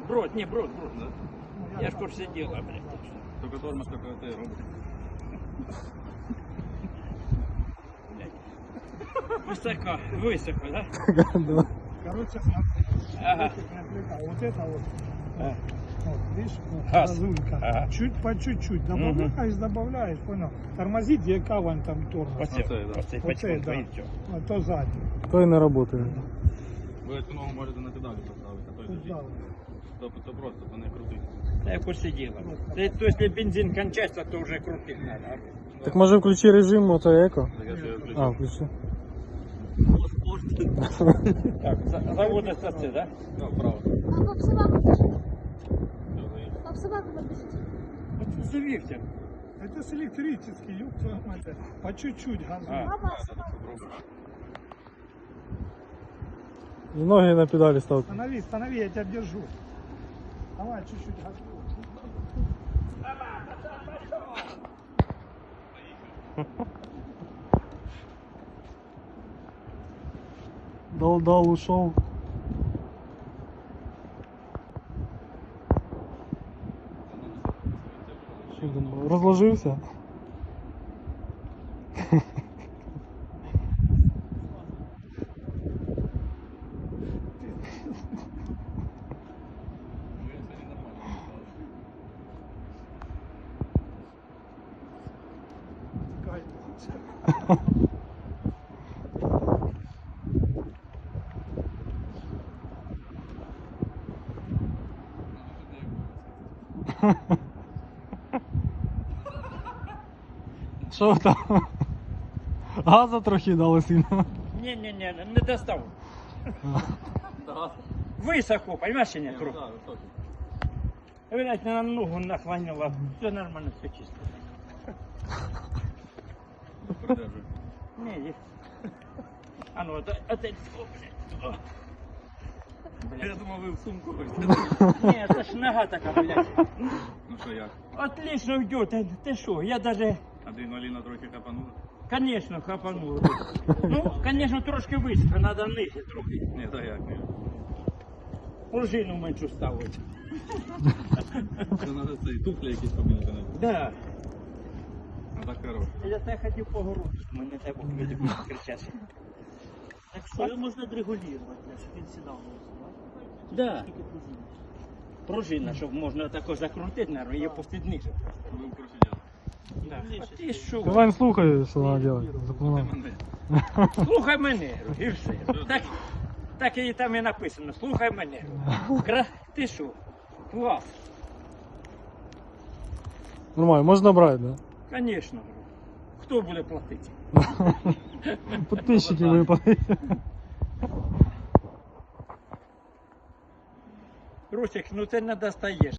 Брод, не, брод. Да? Я ж в курсе дела, блядь. Только тормоз такой ты робот. Высоко, да? Да. Короче, смотри. Ага. Вот это вот. Вот, видишь, вот, Газ. газулька. Ага. Чуть по чуть-чуть. Добавляешь, понял. Тормозит, где каван там тормоз. Оце, Оце, да. оце, Оце, потихоньку, да. і все. А то сзади. То й не працює. Ви цю ногу можете на педалі поставити, а то й Тут держіть. да. То просто, то не крутить. Та я в курсе дела. То если бензин кончается, то уже крутить надо. Так може включи режим ото еко? Так я ж його А, включив. включи. Так, заводится це, да? Да, вправо. А пап собаку держи. Все, заїхав. Пап собаку подержите. Вот завився. Это с электрический, ёб твою мать. По чуть-чуть газуй. А. Папа Так, собаку. попробуй. І ноги на педалі ставте. Станови, я тебя держу. Давай чуть-чуть газуй. Дал, ушел. Що там, розложився? Ну, я сьогодні нормально. Кайф. Що там? Газа трохи дали сильно. Не, не достав. Да, Високо, понимаешь, нет, ну, трохи. да, високий. Видать, на ногу наклонила. Все нормально, все чисто. Придержуй. Не, есть. А ну, это, о, блядь. О. Я Блядь. думав, ви в сумку хочете. Не, это ж нога такая, блядь. Ну що як? Отлично идет. Ты что, я даже, Адреналіна трохи капанула? конечно, хапанул. Ну, конечно, трошки високо, надо ниже трохи. Ні, так як ні. Пружину меншу ставити. Це треба цей туфлі якісь поміняти. Надо. Да. Ну так хорош. Я тебе хотів погородити, мене так люди будуть кричати. Так что ее можно отрегулировать, чтобы він сідав на ось, Да. тільки пружини. Пружина, щоб можна тако закрутити, наверное, її пустити ниже. Ви в курсі діла. Да. А ти що? Вань, слухай, що треба робити. Запоминай. Мене. Слухай мене, і все. Так і там і написано, слухай мене. Ти що? Клас. Нормально, можна брати, да? Конечно. Хто буде платити? Підписчики випадуть. Русик, ну ти не достаєш.